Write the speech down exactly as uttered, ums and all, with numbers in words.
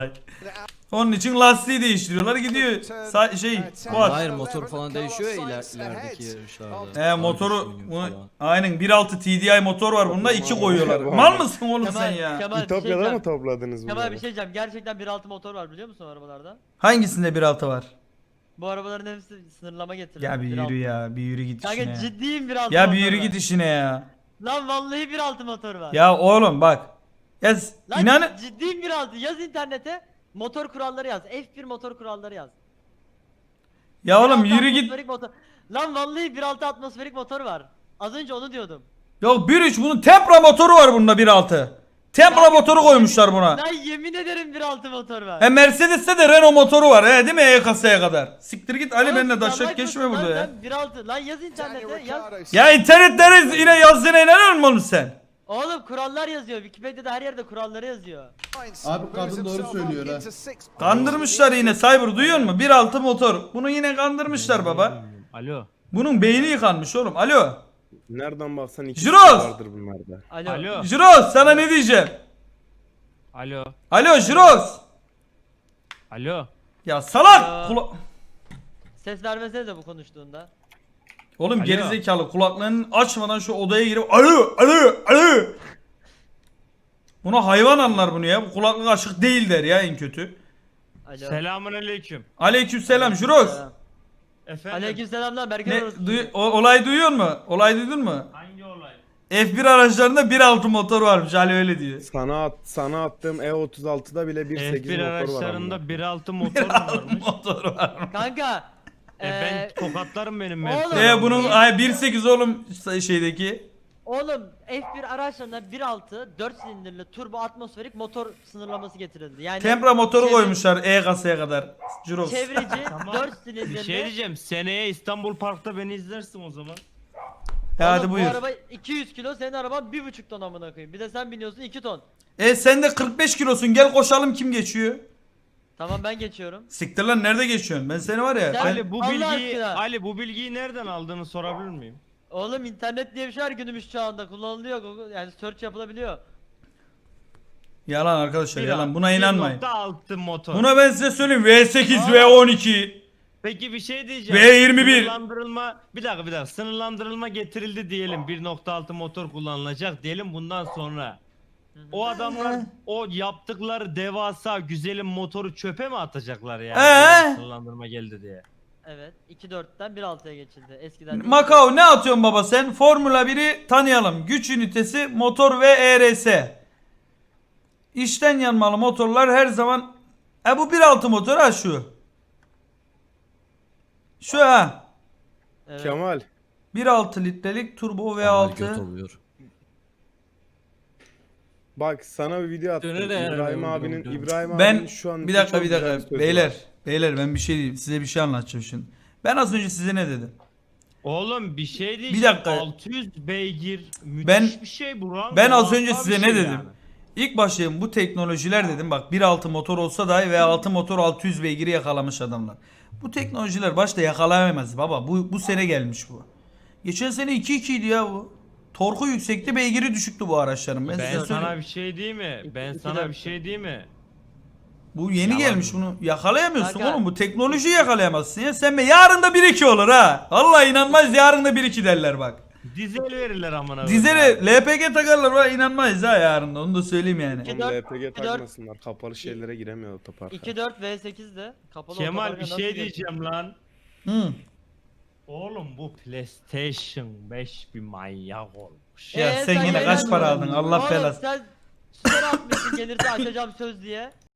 Onun için lastiği değiştiriyorlar gidiyor. Sa şey quad. Hayır motor falan değişiyor ya iler, ilerideki yarışlarda. He motoru Daha bunu, falan. aynen bir altı T D I motor var bunda iki koyuyorlar. Mal mısın oğlum sen ya? Kemal, bir şey İtopya'da mı diyeceğim. topladınız Kemal bunları? bir şey diyeceğim. Gerçekten bir altı motor var biliyor musun o arabalarda? Hangisinde bir altı var? Bu arabaların hepsi sınırlama getirildi. Ya bir bir yürü altı. ya bir yürü git Kanka işine ya. ciddiyim bir altı Ya motor bir yürü var. git işine ya. Lan vallahi bir altı motor var. Ya oğlum bak. Ya s- Lan inan ciddiyim bir altı. Yaz internete motor kuralları yaz. F bir motor kuralları yaz. ya oğlum bir altı yürü git. atmosferik motor. Lan vallahi bir altı atmosferik motor var. Az önce onu diyordum. Yok bir üç bunun Tempra motoru var bunda bir altı. Tempra motoru koymuşlar buna. Ben yemin ederim bir altı motor var. He Mercedes'te de Renault motoru var he değil mi E kasaya kadar. Siktir git Ali Oğlum, benimle salak taşak geçme mısın burada lan ya. sen? bir altı lan yaz internete yaz. Ya internetlere yine yazdığına inanıyor musun oğlum sen? Oğlum kurallar yazıyor. Wikipedia'da her yerde kuralları yazıyor. Abi kadın doğru söylüyor ha. Kandırmışlar yine Cyber duyuyor musun? bir altı motor. Bunu yine kandırmışlar baba. Alo. Bunun beyni yıkanmış oğlum. Alo. Nereden baksan iki Jiroz! kişi vardır bunlarda. Alo. Alo. Jiroz sana ne diyeceğim? Alo. Alo Jiroz. Alo. Ya salak. Alo. Kula- Ses vermesene de bu konuştuğunda. Oğlum Alo. gerizekalı kulaklarını açmadan şu odaya girip alo alo alo. Buna hayvan anlar bunu ya. Bu kulaklık açık değil der ya en kötü. Alo. Selamun aleyküm. Aleykümselam Jiroz. Selam. Efendim. Aleykümselam Berke Ne orası. duy- o- olay duyuyor mu? Olay duydun mu? Hangi olay? F bir araçlarında bir altı motor varmış Ali öyle diyor. Sana at, sana attığım E otuz altıda bile bir F sekiz bir motor var. amına. araçlarında bir altı motor mu varmış? Motor var. Kanka. E ben eee, tokatlarım benim Oğlum. Mert'i. E bunun ay bir sekiz oğlum şeydeki. Oğlum F bir araçlarına bir altı dört silindirli turbo atmosferik motor sınırlaması getirildi. Yani Tempra motoru çevre- koymuşlar E kasaya kadar. Jiroz. Çevreci Tamam. dört Bir silindirli. şey diyeceğim. Seneye İstanbul Park'ta beni izlersin o zaman. Ya hadi Oğlum, buyur. Bu araba iki yüz kilo, senin araban bir buçuk ton amına koyayım. Bir de sen biniyorsun iki ton. E sen de kırk beş kilosun gel koşalım kim geçiyor? Tamam ben geçiyorum. Siktir lan nerede geçiyorsun? Ben seni var ya. Sen- ben- Ali bu Allah bilgiyi aşkına. Ali bu bilgiyi nereden aldığını sorabilir miyim? Oğlum internet diye bir şey var günümüz çağında kullanılıyor. Google- Yani search yapılabiliyor. Yalan arkadaşlar Bir yalan alt- buna inanmayın. bir nokta altı motor. Buna ben size söyleyeyim V sekiz V on iki. Peki bir şey diyeceğim. V yirmi bir. Sınırlandırılma bir dakika bir dakika. Sınırlandırılma getirildi diyelim. bir nokta altı motor kullanılacak diyelim bundan sonra. O adamlar o yaptıkları devasa güzelim motoru çöpe mi atacaklar yani? Ee? Böyle Sınırlandırma geldi diye. Evet iki dörtten bir altıya geçildi. Eskiden Macao ne atıyorsun baba sen? Formula biri tanıyalım. Güç ünitesi motor ve E R S. İçten yanmalı motorlar her zaman. E bu bir altı motor ha şu. Şu ha. Evet. Kemal. bir altı litrelik turbo V Kemal göt altı. oluyor. Bak sana bir video attım. Dönür de yani İbrahim ben abinin bunu İbrahim Ben abinin şu an bir dakika çok bir güzel dakika sözü beyler var. beyler ben bir şey diyeyim size bir şey anlatacağım şimdi. Ben az önce size ne dedim? Oğlum bir şey diyeceğim. Bir dakika. altı yüz beygir müthiş Ben- bir şey bu lan. Ben az Muazzam önce bir size şey ne dedim? yani. İlk başlayayım bu teknolojiler dedim bak bir altı motor olsa dahi V altı motor altı yüz beygiri yakalamış adamlar. Bu teknolojiler başta yakalayamaz baba bu bu sene gelmiş bu. Geçen sene iki iki idi ya bu. Torku yüksekti beygiri düşüktü bu araçların. Ben, Ben size sana söyleyeyim. bir şey diyeyim mi? Ben iki sana dört. bir şey diyeyim mi? Bu yeni Yalan. gelmiş bunu yakalayamıyorsun Kanka. oğlum bu teknolojiyi yakalayamazsın ya. Sen be yarın da bir iki olur ha. Vallahi inanmaz yarın da bir iki derler bak. Dizel verirler amına. Dizeli L P G takarlar var inanmayız ha yarın da onu da söyleyeyim yani. İki Oğlum dört, L P G iki dört. takmasınlar. Kapalı şeylere giremiyor otoparka. iki dört V sekizde kapalı Kemal otoparka bir nasıl şey geçti? diyeceğim lan. Hı. Oğlum bu PlayStation beş bir manyak olmuş. Ya Ee, sen sen yine yayın kaç para açmadın. aldın Allah Oğlum belası. sen story atmışsın gelirse açacağım söz diye.